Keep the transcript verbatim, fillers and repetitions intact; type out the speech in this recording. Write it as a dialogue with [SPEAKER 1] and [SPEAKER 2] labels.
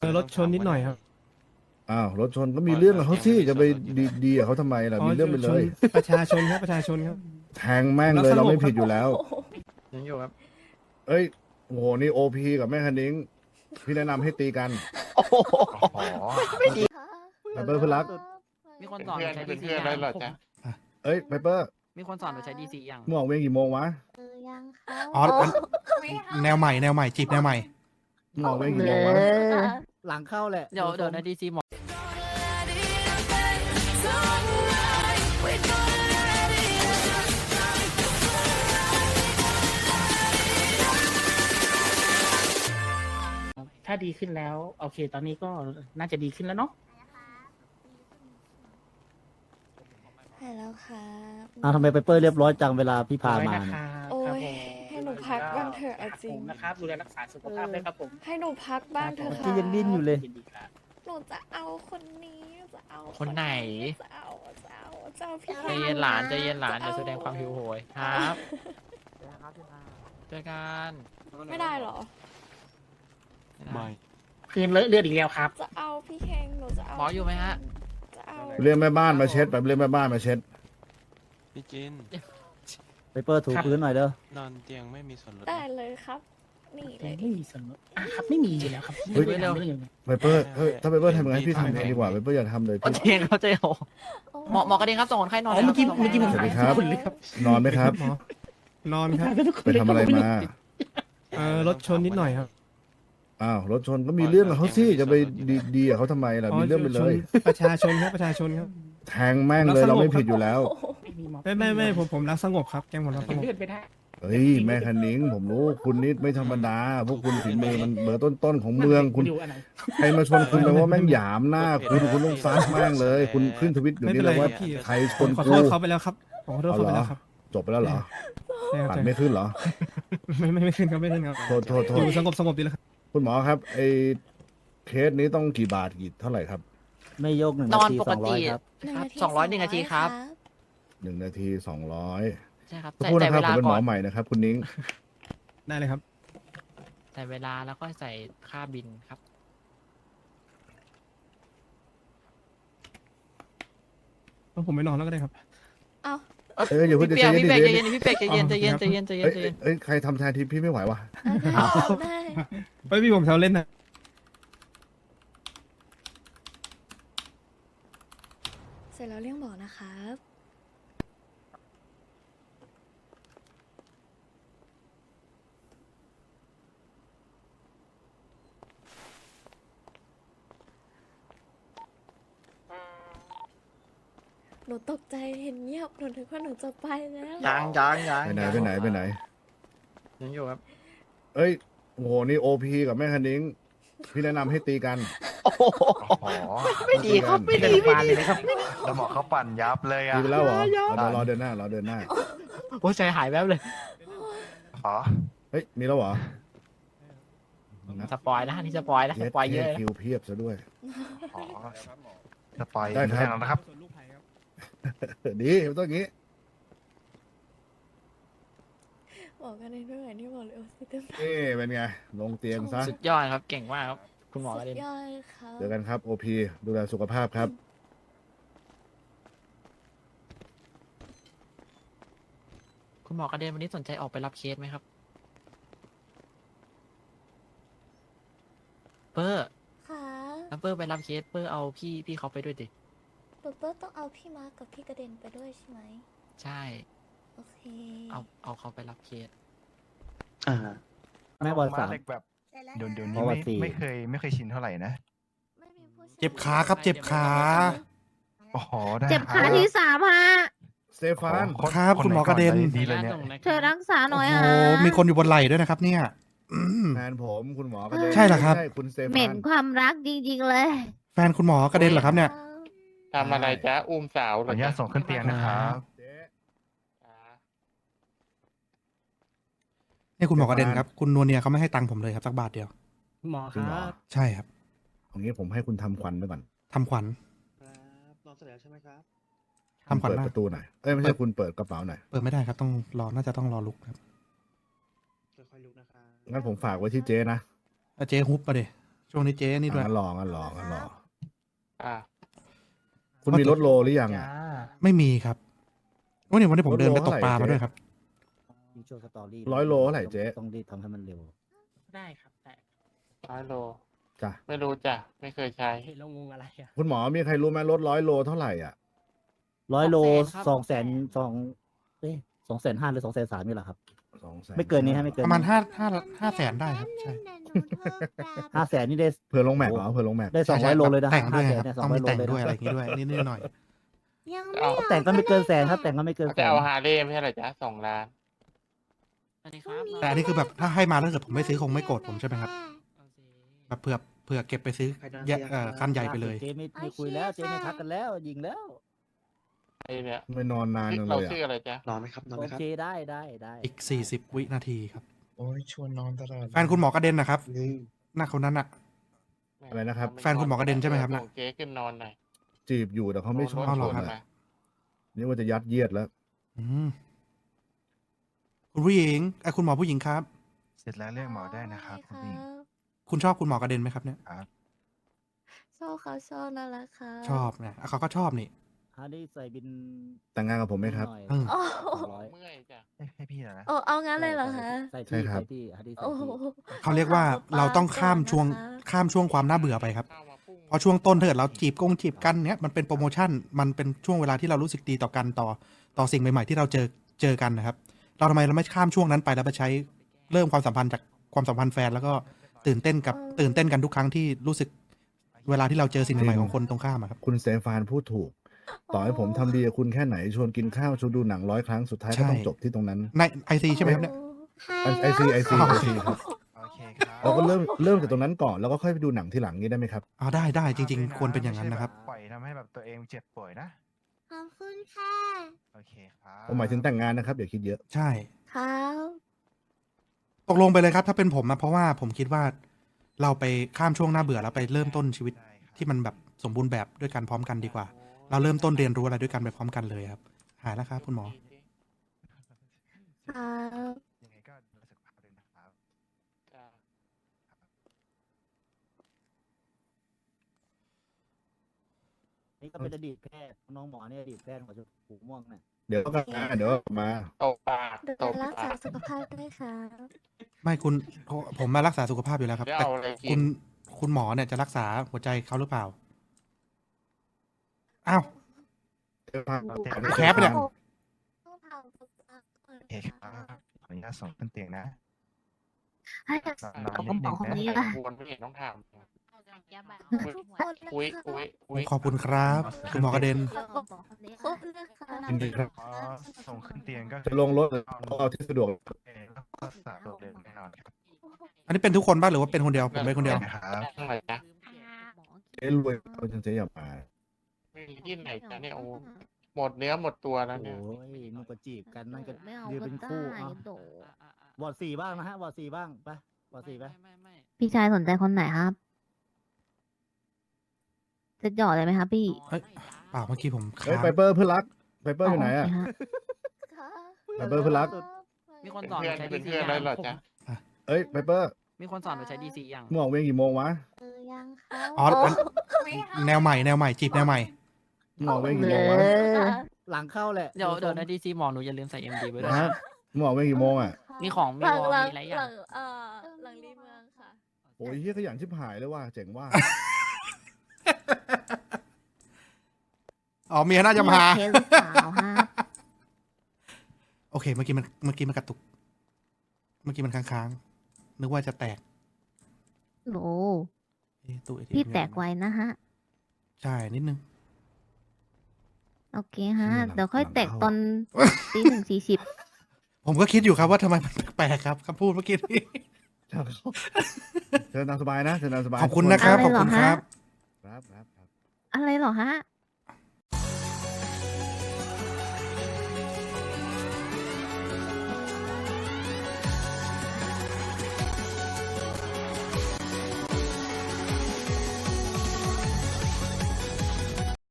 [SPEAKER 1] อรถชนนิดหน่อยครับ
[SPEAKER 2] อ้าวรถชนก็มีเรื่องกับเขาสิจะไปดีดีกับเขาทำไมล่ะ
[SPEAKER 1] อ๋อ
[SPEAKER 2] มีเรื่องไปเล
[SPEAKER 1] ชน
[SPEAKER 2] ย
[SPEAKER 1] ประชาชนครับประชาชนครับ
[SPEAKER 2] แทงแม่งเลยเราไม่ผิดอยู่แล้ว
[SPEAKER 3] ยังอยู่ครับ
[SPEAKER 2] เอ้ยโอ้โหนี่โอพีกับแม่คันนิ้งพี่แนะนำให้ตีกัน
[SPEAKER 3] โอ้โห
[SPEAKER 2] ไพเปอร์เพื่อนรัก
[SPEAKER 3] มีคนสอนหนูใช้ดี
[SPEAKER 4] เป็น
[SPEAKER 3] ซี
[SPEAKER 4] เพื่อน
[SPEAKER 3] ยั
[SPEAKER 4] ได้
[SPEAKER 3] ง
[SPEAKER 4] เหรอจ๊ะ
[SPEAKER 2] เอ้ยไพเปอร์
[SPEAKER 3] มีคนสอนหนูใช้ดีซียัง
[SPEAKER 2] มึงออกเวรกี่โมงวะ
[SPEAKER 5] เออยังค่ะ
[SPEAKER 6] อ๋ออันแนวใหม่แนวใหม่จีบแนวใหม่
[SPEAKER 2] มึงออกเวรกี่โมงวะ
[SPEAKER 7] หลังเข้าแหละ
[SPEAKER 3] เดี๋ยวเดี๋ยวในดีซีหมอ
[SPEAKER 7] ถ้าดีขึ้นแล้ว โอเค ตอนนี้ก็น่าจะดีขึ้นแล้วเนาะ
[SPEAKER 5] หายแล้วค่ะ
[SPEAKER 7] อ้าวทำไมไปเปอร์เรียบร้อยจังเวลาพี่พามา
[SPEAKER 5] โอ้ยให้หนูพักบ้างเถอะเอาจริง
[SPEAKER 7] นะครับ ดูแลรักษาสุขภาพด้วยครับผม
[SPEAKER 5] ให้หนูพักบ้างเถอะ
[SPEAKER 7] ที่
[SPEAKER 5] ค่ะ
[SPEAKER 7] ยังดิ้นอยู่เลย
[SPEAKER 5] หนูจะเอาคนนี้จะเอา
[SPEAKER 3] คนไหน
[SPEAKER 5] จะเอาจะเอาจะเอาพี่
[SPEAKER 3] ใจเย็นหลานใจเย็นหลานอย่าแสดงความหิวโหยครับเจอกัน
[SPEAKER 5] ไม่ได้เหรอ
[SPEAKER 4] ไม่
[SPEAKER 7] คืนเลอะเลือดอีกแล้วครับ
[SPEAKER 5] จะเอาพี่เคงหนูจะเอา
[SPEAKER 3] หมออยู่ไหมฮะ
[SPEAKER 5] จะเอา
[SPEAKER 2] เรียกแม่บ้านมาเช็ดแบบเรียกแม่บ้านมาเช็ด
[SPEAKER 4] พี่จิน
[SPEAKER 7] ไปเปอร์ถูพื้นหน่อยเด้อน
[SPEAKER 4] อนเตียงไม่มีส่วนลด
[SPEAKER 5] ได้เลยครับ นี่เลย
[SPEAKER 7] ไม่มีสนุกอ่ะครับไม่มีอยู่แล้วครับ
[SPEAKER 2] เฮ้ย
[SPEAKER 7] ไม่ได้ไม่ได้
[SPEAKER 2] ไพเปอร์เฮ้ยถ้าไพเปอร์ทำยังไงพี่ทำดีกว่าไพเปอร์อย่าทำเลย
[SPEAKER 3] โอ
[SPEAKER 2] พี่
[SPEAKER 3] เคเข้าใจโหหมอหมอกระเด็นครับส่งคนไข้นอน
[SPEAKER 7] อ๋อเมื่อกี้
[SPEAKER 3] ลย
[SPEAKER 7] เมื่อกี้ผม
[SPEAKER 2] สวัสดี
[SPEAKER 7] หาย
[SPEAKER 2] ครับ
[SPEAKER 7] ทุกคนเลยครับ
[SPEAKER 2] นอนไหมครับ
[SPEAKER 1] หมอ นอนครับ
[SPEAKER 2] ไปทำอะไรมา
[SPEAKER 1] เออรถชนนิดหน่อยครับ
[SPEAKER 2] อ้าวรถชนก็มีเรื่องกับเขาสิจะไปดีดีกับเขาทำไมล่ะ
[SPEAKER 1] อ๋อ
[SPEAKER 2] มีเรื่องไปเลย
[SPEAKER 1] ชนประชาชนครับประชาชนครับ
[SPEAKER 2] แทงแม่งเลยเราไม่ผิดอยู่แล้ว
[SPEAKER 1] ไม่ไม่ไม่ผมผมรักสงบครับแกงผมรักสงบ
[SPEAKER 7] เลือดไปได้
[SPEAKER 2] เฮ้ยแม่คันนิ้งผมรู้คุณนิดไม่ธรรมดา พวกคุณฝีมือมันเบอร์ต้นๆของเมืองคุณ
[SPEAKER 7] ดูอันไหน
[SPEAKER 2] ใครมาชนคุณแปลว่าแม่งหยามหน้าคุณคุณต้องซัดแม่งเลย คุณขึ้นทวิตอยู่
[SPEAKER 1] ไม่เป็
[SPEAKER 2] นี่
[SPEAKER 1] นไร
[SPEAKER 2] เลย
[SPEAKER 1] ค
[SPEAKER 2] ว่า
[SPEAKER 1] รับพี่
[SPEAKER 2] ใครช
[SPEAKER 1] ผม
[SPEAKER 2] น
[SPEAKER 1] ขอ
[SPEAKER 2] กู
[SPEAKER 1] โทษเขาไปแล้วครับผมขอโทษเขาไปแล้วครับ
[SPEAKER 2] จบไปแล้วเหรอ
[SPEAKER 1] ใช่ครับ
[SPEAKER 2] ปัดไม่ขึ้นเหรอ
[SPEAKER 1] ไม่ไม่ไม่ขึ้นครับไม่ขึ้นครับ
[SPEAKER 2] โทษโทษโท
[SPEAKER 1] อ
[SPEAKER 2] ษ
[SPEAKER 1] ยู่สงบสงบดีแล้วครับ
[SPEAKER 2] คุณหมอครับไอ้เคสนี้ต้องกี่บาทกี่เท่าไหร่ครับ
[SPEAKER 7] ไม่ยกหนึ่ง
[SPEAKER 3] น
[SPEAKER 7] นา
[SPEAKER 3] อน
[SPEAKER 7] ที
[SPEAKER 3] ป
[SPEAKER 7] ส
[SPEAKER 3] ก
[SPEAKER 7] องร้อ
[SPEAKER 3] ติ
[SPEAKER 7] ยครับ
[SPEAKER 5] หนึ่ง
[SPEAKER 3] ครับ
[SPEAKER 5] นาที
[SPEAKER 3] สองร้อยหนึ่งนาทีครับ
[SPEAKER 2] หนึ่งนาทีสองร้อย
[SPEAKER 3] ใช่ครับ
[SPEAKER 2] ขอ
[SPEAKER 3] ใส่
[SPEAKER 2] โทษ
[SPEAKER 3] ใส่
[SPEAKER 2] นะครับผมเป็นหม
[SPEAKER 3] เวลาก่
[SPEAKER 2] อ
[SPEAKER 3] อน
[SPEAKER 2] ใหม่นะครับ คุณนิ้ง
[SPEAKER 1] ได้เลยครับ
[SPEAKER 3] ใส่เวลาแล้วก็ใส่ค่าบินครับ
[SPEAKER 1] แล้วผมไม่นอนแล้วก็ได้ครับ
[SPEAKER 5] เอา
[SPEAKER 2] เอ้ยอย่าเพิ่ง
[SPEAKER 3] พี่
[SPEAKER 2] ใจ
[SPEAKER 3] เปียก
[SPEAKER 2] เย็น
[SPEAKER 3] พี่เปียก
[SPEAKER 2] ใจ
[SPEAKER 3] ใจ
[SPEAKER 2] เย็
[SPEAKER 3] เย็
[SPEAKER 2] น
[SPEAKER 3] นพี่เปียกใจเย็นใจเย็นใจเย็นใจ
[SPEAKER 2] เอ้ย
[SPEAKER 3] เย็นใจเย็น
[SPEAKER 2] เอ้ยใครทำแทนทีพี่ไม่ไหววะ
[SPEAKER 5] เอาได้
[SPEAKER 1] เฮ้ยพี่ผมแซวเล่นนะ
[SPEAKER 5] เสร็จแล้วเรียกหมอนะครับ หนูตกใจเห็นเงียบหนูนึกว่าหนูจะไปแล้ว
[SPEAKER 3] ยังยังยัง
[SPEAKER 2] ไปไหนไปไหนไปไหน
[SPEAKER 3] ยังอยู่ครับ
[SPEAKER 2] เอ้ยโอ้โหนี่โอพีกับแม่คันนิ้งพี่แนะนำให้ตีกัน
[SPEAKER 3] โอ้โห
[SPEAKER 4] โอ้โห
[SPEAKER 3] ไม่ดีครับไม่ดีไม่ดีครับ
[SPEAKER 4] แล้วหมอเขาปั่นยับเลยอ่ะ
[SPEAKER 2] ตีไปแล้วเหรอเอาเดี๋ยวรอเดินหน้ารอเดินหน้า
[SPEAKER 3] โอ้ใจหายแวบเลย
[SPEAKER 4] อ๋อ
[SPEAKER 2] เฮ้ยมีแล้วเหรอ
[SPEAKER 3] สปอยนะนี่สปอยนะส
[SPEAKER 2] เย็ด
[SPEAKER 3] ปอยเย
[SPEAKER 2] เย็
[SPEAKER 3] อะ
[SPEAKER 2] ด
[SPEAKER 3] นะ
[SPEAKER 2] คิวเพียบซะด้วย
[SPEAKER 4] อ๋อสปอย
[SPEAKER 2] ได้ครับ
[SPEAKER 4] แค่นั้นนะครับ
[SPEAKER 1] ส่วนลูกไผ่ครับ
[SPEAKER 2] ดีมันต้องอย่างนี้
[SPEAKER 5] บอกกันในเรื่องไหนที่บอกเลยโอ้สิเต็ม
[SPEAKER 2] นี่เป็นไงลงเตียงซะ
[SPEAKER 3] สุดยอดครับเก่งมากครับ คุณหมอ
[SPEAKER 5] สุ
[SPEAKER 3] กระ
[SPEAKER 5] ด
[SPEAKER 3] เด็น
[SPEAKER 5] ยอดครับ
[SPEAKER 2] เจอกันครับโอพีดูแลสุขภาพครับ
[SPEAKER 3] คุณหมอกระเด็นวันนี้สนใจออกไปรับเคสไหมครับ เปอร์
[SPEAKER 5] ค่ะ
[SPEAKER 3] แล้วเปอร์ไปรับเคสเปอร์เอาพี่พี่เขาไปด้วยดิ
[SPEAKER 5] เปิดเปิดต้องเอาพี่มาร์กกับพี่กระเด็นไปด้วยใช่ไหม
[SPEAKER 3] ใช่
[SPEAKER 5] โอเค
[SPEAKER 3] เอาเอาเขาไปรับเคส
[SPEAKER 7] อ่าแม่บอลสาม
[SPEAKER 4] เล็กแบบเดี๋ยวเดี๋ยว
[SPEAKER 7] เพ
[SPEAKER 4] นี้
[SPEAKER 7] ราะว่า
[SPEAKER 4] ไม่
[SPEAKER 7] สี่
[SPEAKER 4] ไม่เคยไม่เคยชินเท่าไหร่นะ
[SPEAKER 5] ไม่มีผู้ชย
[SPEAKER 6] เจ็บขาครับเจ็บขา
[SPEAKER 4] โอ้โหได้
[SPEAKER 8] เจ็บขาที่สามฮะ
[SPEAKER 2] สเตฟาน
[SPEAKER 6] ครับคุณหมอกระเด็น
[SPEAKER 4] ดีเลยเนี่ย
[SPEAKER 8] เธอรักษาหน่อย
[SPEAKER 6] โอ้
[SPEAKER 8] ฮะ
[SPEAKER 6] โหมีคนอยู่บนไหล่ด้วยนะครับ เนี่ยอืม
[SPEAKER 2] แฟนผมคุณหมอกระเด็น
[SPEAKER 6] ใช่เหรอครับ
[SPEAKER 2] ใช่คุณสเต
[SPEAKER 8] เหม็
[SPEAKER 2] ฟาน
[SPEAKER 8] นความรักจริงๆเลย
[SPEAKER 6] แฟนคุณหมอกระเด็นเหรอครับเนี่ย
[SPEAKER 4] ทำอะไรจ๊ะอุ้มสาวขออนุญาตส่งขึ้นเตียงนะครับ
[SPEAKER 2] เจ๊
[SPEAKER 6] นี่คุณหมอกระเด็นครับ คุณนวลเนียเขาไม่ให้ตังค์ผมเลยครับสักบาทเดียว
[SPEAKER 7] หมอค
[SPEAKER 2] คุณหม
[SPEAKER 7] รั
[SPEAKER 2] อบ
[SPEAKER 6] ใช่ครับ
[SPEAKER 2] เอางี้ผมให้คุณทำควันไปก่อน
[SPEAKER 6] ทำขวัญ
[SPEAKER 7] ครับนอนเสร็จแล้วใช่ไหมครับ
[SPEAKER 6] ทำขวัญ
[SPEAKER 2] เปิด
[SPEAKER 6] นะ
[SPEAKER 2] ประตูหน่อยเอ้ยไม่ใช่คุณเปิดกระเป๋าหน่อย
[SPEAKER 6] เปิดไม่ได้ครับต้องรอน่าจะต้องรอลุกครับ
[SPEAKER 7] ค่อยๆลุกนะครับ
[SPEAKER 2] งั้นผมฝากไว้ที่เจ๊นะ
[SPEAKER 6] อ่ะเจ๊ฮุบมาเดช่วงนี้เจ๊นี่ด้วย
[SPEAKER 2] งั้นรองั้นรองั้นรอ
[SPEAKER 4] อ่า
[SPEAKER 2] คุณมีรถโลหรือยังอ่ะ
[SPEAKER 6] ไม่มีครับวันนี้วันนี้ผมเดินไปตกปลา
[SPEAKER 2] โลเท่าไหร่
[SPEAKER 6] มาด้วยครับ
[SPEAKER 9] มีโชว์สตอรี่
[SPEAKER 2] ร้อยโลเท่าไหร่เจ๊
[SPEAKER 9] ต้องรีบทำให้มันเร็ว
[SPEAKER 7] ได้ครับได้
[SPEAKER 4] ร้อยโล
[SPEAKER 2] จ้ะ
[SPEAKER 4] ไม่รู้จ้ะ ไม่เคยใช้
[SPEAKER 7] เห็นเรางงอะไรอ่ะ
[SPEAKER 2] คุณหมอมีใครรู้ไหมรถร้อยโลเท่าไหร่อ่ะ
[SPEAKER 9] ร้อยโล
[SPEAKER 7] ส
[SPEAKER 9] ส
[SPEAKER 7] อ
[SPEAKER 9] อง ง
[SPEAKER 7] แส
[SPEAKER 9] แส
[SPEAKER 7] น
[SPEAKER 9] น
[SPEAKER 7] ครับ
[SPEAKER 9] สองเอ้สองแสนห้าหรือสองแสนสามนี่แหละครับ
[SPEAKER 2] สองแสน
[SPEAKER 9] ไม่เกินนี้ฮะไม่เกิน
[SPEAKER 6] ประมาณห้าห้าห้าแสนได้ครับใช่
[SPEAKER 9] ห้าแสนนี่ได้
[SPEAKER 2] เผื่อลงแม็กเหรอเผื่อลงแม็ก
[SPEAKER 9] ได้สองร้อยโลเลยนะ
[SPEAKER 6] แต่งด้วย
[SPEAKER 9] ห้า
[SPEAKER 6] ค
[SPEAKER 9] แส
[SPEAKER 6] รับ
[SPEAKER 9] นเนี่ยสอ
[SPEAKER 6] ต้อง ง
[SPEAKER 9] ร้อยโลเลย
[SPEAKER 6] มีแต่งด้วยอะไร
[SPEAKER 9] นะ
[SPEAKER 6] อย่างงี้ด้วยนิดๆหน่อย
[SPEAKER 5] ยัง
[SPEAKER 4] เอา
[SPEAKER 5] ไม่
[SPEAKER 9] แต่งก็ไม่เกินแสนครับแต่งก็ไม่เกินแส
[SPEAKER 4] จะ
[SPEAKER 9] น
[SPEAKER 4] เอาฮาร์เลย์ไม่ใช่เหรอจ๊ะสองล้าน
[SPEAKER 7] สวัสดีครับ
[SPEAKER 6] ๆแต่อันนี้คือแบบถ้าให้มาถ้าเกิดผมไม่ซื้อคงไม่โกรธผมใช่ไหมครับแบบเผื่อเผื่อเก็บไปซื้อแยกเอ่อคันใหญ่ไปเลย
[SPEAKER 9] เจ๊ไม่ไม่คุยแล้วเจ๊ไม่ทักกันแล้ว ยิงแล้ว
[SPEAKER 4] ไอเนี่ย
[SPEAKER 2] ไม่นอนนานจังเล
[SPEAKER 4] เรา
[SPEAKER 2] ยอ่ะ
[SPEAKER 4] ชื่ออะไรจ๊ะ
[SPEAKER 10] นอนไหมครับ นอนไห
[SPEAKER 9] โอ
[SPEAKER 10] มครับ
[SPEAKER 9] เคได้ได้ได้
[SPEAKER 6] อีกสี่สิบวินาทีครับ
[SPEAKER 10] โอ้ยชวนนอนตลอด
[SPEAKER 6] แฟนคุณหมอกระเด็นนะครับ
[SPEAKER 10] นี่
[SPEAKER 6] หน้าคนนั้นอะ
[SPEAKER 2] อะไรนะครับ
[SPEAKER 6] แฟนคุณหมอกระเด็นใช่ไหมครับน่ะ
[SPEAKER 4] ส่งเจ๊ขึ้นนอนหน่อย
[SPEAKER 2] จีบอยู่แต่เขาไม่ชอบ
[SPEAKER 6] เอาเหรอครับ
[SPEAKER 2] นะนี่ว่าจะยัดเยียดแล้ว
[SPEAKER 6] อืมคุณผู้หญิงไอ้ยคุณหมอผู้หญิงครับ
[SPEAKER 10] เสร็จแล้วเรียกหมอได้นะครับคุณผู้หญิง
[SPEAKER 6] คุณชอบคุณหมอกระเด็นไหมครับเนี่ย
[SPEAKER 5] ชอบเขาชอบนั่นแหละค่ะ
[SPEAKER 6] ชอบเนี่ยอ่ะเขาก็ชอบนี่
[SPEAKER 9] ฮาร์ดี้ใส่บิน
[SPEAKER 2] แต่งงานกับผมไหมครับ
[SPEAKER 9] หน่อย
[SPEAKER 6] อืม
[SPEAKER 5] โอ้
[SPEAKER 9] สองร้อย
[SPEAKER 4] เมื่อยจ้ะ
[SPEAKER 10] ให้ให้พี่เหรอนะ
[SPEAKER 5] โอ้เอางั้นเลยเหรอคะ
[SPEAKER 9] ใส่
[SPEAKER 2] ใช่
[SPEAKER 9] ที่
[SPEAKER 2] ครับ
[SPEAKER 9] ใส่ที่ฮาร์ดี้ใส่
[SPEAKER 5] โอ้โห
[SPEAKER 9] ที่
[SPEAKER 6] เขาเรียกว่าเราต้องข้ามช่วงข้ามช่วงความน่าเบื่อไปครับ
[SPEAKER 4] เข้ามาพุ่ง
[SPEAKER 6] เพราะช่วงต้นถ้าเกิดเราจีบกงจีบกันเนี้ยมันเป็นโปรโมชั่นมันเป็นช่วงเวลาที่เรารู้สึกดีต่อกันต่อต่อสิ่งใหม่ ๆ ที่เราเจอเจอกันนะครับ เราทำไมเราไม่ข้ามช่วงนั้นไปแล้วไปใช้เริ่มความสัมพันธ์จากความสัมพันธ์แฟนแล้วก็ตื่นเต้นกับตื่นเต้นกันทุกครั้งที่รู้สึกเวลาที่เราเจอสิ่งใหม่ๆของคนตรงข้ามอะครับ
[SPEAKER 2] คุณเซฟานพูดถูก ต่อให้ผมทำดีกับคุณแค่ไหนชวนกินข้าวชวนดูหนังร้อยครั้งสุดท้ายก็ต้องจบที่ตรงนั้น
[SPEAKER 6] ในไอซีใช่ไหมครับเนี่ย
[SPEAKER 2] ไอซีไอซีไอซีครับ
[SPEAKER 10] โอเคครับ
[SPEAKER 2] เราก็เริ่มเริ่มจากตรงนั้นก่อนแล้วก็ค่อยไปดูหนังที่หลังนี้ได้ไหมครับ
[SPEAKER 6] อ๋อได้ได้จริง ๆ ควรเป็นอย่างนั้นนะครับ
[SPEAKER 10] ปล่อยทำให้แบบตัวเองเจ็บป่วยนะ
[SPEAKER 5] ขอบคุณค่ะ
[SPEAKER 10] โอเคครับ
[SPEAKER 2] ผมหมายถึงแต่งงานนะครับอย่าคิดเยอะ
[SPEAKER 6] ใช่
[SPEAKER 5] ครับ
[SPEAKER 6] ตกลงไปเลยครับ ถ้าเป็นผมนะเพราะว่าผมคิดว่าเราไปข้ามช่วงหน้าเบื่อแล้วไปเริ่มต้นชีวิต
[SPEAKER 10] ได้ครับ
[SPEAKER 6] ที่มันแบบสมบูรณ์แบบด้วยกันพร้อมกันดีกว่า เราเริ่มต้นเรียนรู้อะไรด้วยกันไปพร้อมกันเลยครับ หายแล้วครับคุณหมอ
[SPEAKER 5] ครับ
[SPEAKER 10] ยังไงก็ดูแลสุขภาพด้วยนะครับ
[SPEAKER 4] จ้ะ
[SPEAKER 9] นี่ก็เป็นอดีตแพทย์น้องหมอเนี่ยอดีตแพทย์หัวชมพูม่วงเนี่ย
[SPEAKER 2] เดี๋ยวก็มาเดี๋ยวก็มา
[SPEAKER 4] ตบปาก
[SPEAKER 5] ดู
[SPEAKER 4] ต
[SPEAKER 5] แล
[SPEAKER 4] บ
[SPEAKER 5] รัก
[SPEAKER 4] ปา
[SPEAKER 5] ษาก สุขภาพด้วยค่ะ
[SPEAKER 6] ไม่คุณผมมารักษาสุขภาพอยู่แล้วครับ
[SPEAKER 4] จะ
[SPEAKER 6] แต่
[SPEAKER 4] เอาอะไรกิ
[SPEAKER 6] คุ
[SPEAKER 4] น
[SPEAKER 6] ณคุณหมอเนี่ยจะรักษาหัวใจเขาหรือเปล่าอ้าว แคปเนี่ย
[SPEAKER 5] ต้องทำสุขภาพก่อน
[SPEAKER 10] โอเคครับขออนุญาตส่งขึ้นเตียงนะ
[SPEAKER 8] ให้กับ
[SPEAKER 10] นอน
[SPEAKER 8] กับ
[SPEAKER 10] นิ
[SPEAKER 8] กระ
[SPEAKER 10] ด
[SPEAKER 8] เป๋า
[SPEAKER 10] นึง
[SPEAKER 8] ของ
[SPEAKER 10] นะ
[SPEAKER 8] นี้
[SPEAKER 4] ไอ้
[SPEAKER 8] ป่ะ
[SPEAKER 4] ควรไม่เห็นต้องถาม
[SPEAKER 5] ทุกคนเลย
[SPEAKER 4] อุ้ย
[SPEAKER 5] ค่ะ
[SPEAKER 4] อุ้ยอุ้ย
[SPEAKER 6] ขอบคุณครับ คุณหมอกระเด็น
[SPEAKER 5] ครบเลยค่ะ
[SPEAKER 2] ยินดีครับ
[SPEAKER 10] พอส่งขึ้นเตียงก็
[SPEAKER 2] จะลงรถหรือเอาที่สะดวก
[SPEAKER 10] เออก็รักษาตัวเร็วแน่นอนครับ
[SPEAKER 6] อันนี้เป็นทุกคนบ้างหรือว่าเป็นคนเดียวผมเป็นคนเดียว
[SPEAKER 10] นะครับ
[SPEAKER 4] ทั้งไหนจ๊ะ
[SPEAKER 2] เจ๊รวยเอาจนเจ๊อย่ามา
[SPEAKER 4] ไม่มีที่ไหนจ๊ะเนี่ยโอ้หมดเนื้อหมดตัวแล้ว
[SPEAKER 9] โอ้
[SPEAKER 4] เนี่ย
[SPEAKER 9] ยมึงก็จีบกันนั่นก็
[SPEAKER 8] ไม่เอา
[SPEAKER 9] ยืน
[SPEAKER 8] ก็
[SPEAKER 9] เป็น
[SPEAKER 8] ได้
[SPEAKER 9] คู่เอา
[SPEAKER 8] โด
[SPEAKER 9] วอร์ดสี่บ้างนะฮะวอร์ดสี่บ้างไปวอร์ดสี่ไป
[SPEAKER 8] พี่ชายสนใจคนไหนครับ จะหยอดเลยไหมครับพี่
[SPEAKER 6] เฮ้ย เปล่าเมื่อกี้ผม
[SPEAKER 2] เฮ้ย
[SPEAKER 6] ค้าง
[SPEAKER 2] ไปเปอร์เพื่อนรักไปเปอร์อยู่ไหนอ่ะ
[SPEAKER 8] โเคฮ
[SPEAKER 5] ค่ะ
[SPEAKER 2] ไปเปอร์เพื่อนรัก
[SPEAKER 7] มีคน
[SPEAKER 4] เป็น
[SPEAKER 7] สอน
[SPEAKER 4] เพื่อน
[SPEAKER 7] ใช้
[SPEAKER 4] เป็น
[SPEAKER 7] ดีซี
[SPEAKER 4] เพื่อน
[SPEAKER 7] ยั
[SPEAKER 4] ได้
[SPEAKER 7] ง
[SPEAKER 4] เหรอจ๊ะ
[SPEAKER 2] เอ้ยไปเปอร์
[SPEAKER 7] มีคนสอนไปใช้ดีซียัง
[SPEAKER 2] มึงออกเวรกี่โมงวะ
[SPEAKER 5] เออยังค่ะ
[SPEAKER 6] อ๋ออันแนวใหม่แนวใหม่จีบแนวใหม่
[SPEAKER 2] มึงออกเวรกี่โมงวะ
[SPEAKER 9] หลังเข้าแหละ
[SPEAKER 7] เดี๋ยวเดี๋ยวในดีซีหมอหนูอย่าลืมใส่เอ็มดีไว้ด้วย
[SPEAKER 2] ฮะ
[SPEAKER 7] นะ
[SPEAKER 2] มึงออกเวรกี่โมงอ่ะ
[SPEAKER 7] มีของมี
[SPEAKER 5] หลัง
[SPEAKER 7] วอล
[SPEAKER 5] หลัง
[SPEAKER 7] มีอะไรอ
[SPEAKER 5] ห
[SPEAKER 7] ย่า
[SPEAKER 5] ลั
[SPEAKER 7] ง
[SPEAKER 5] งเอ่อหลังรีเมืองค่ะ
[SPEAKER 2] โอ้ยเฮียขยันชิบหายเลยว่ะเจ๋งว่า
[SPEAKER 6] อ๋อเมียน่าจะมา
[SPEAKER 8] เคสหรือเปล่าฮะ
[SPEAKER 6] โอเค เมื่อกี้มันเมื่อกี้มันกระตุก เมื่อกี้มันค้างๆนึกว่าจะแตก
[SPEAKER 8] โห
[SPEAKER 6] เอ๊ะตู้ เอ ที เอ็ม
[SPEAKER 8] พี่แตกไวนะฮะ
[SPEAKER 6] ใช่นิดนึง
[SPEAKER 8] โอเคฮะ
[SPEAKER 2] เชี่ยหลัง
[SPEAKER 8] เดี๋ยวค่อย
[SPEAKER 2] หลัง
[SPEAKER 8] แตก
[SPEAKER 2] เข้า
[SPEAKER 8] ตอนตีหนึ่งสี่สิบ
[SPEAKER 6] ผมก็คิดอยู่ครับว่าทำไมมันแปลกๆครับคำพูดเมื่อกี้นี้
[SPEAKER 2] เชิญตามสบายนะเชิญตามสบาย
[SPEAKER 6] ขอบคุณนะครับ ขอบคุณครับ
[SPEAKER 2] ครับครับครับ
[SPEAKER 8] อะไรเหรอฮะ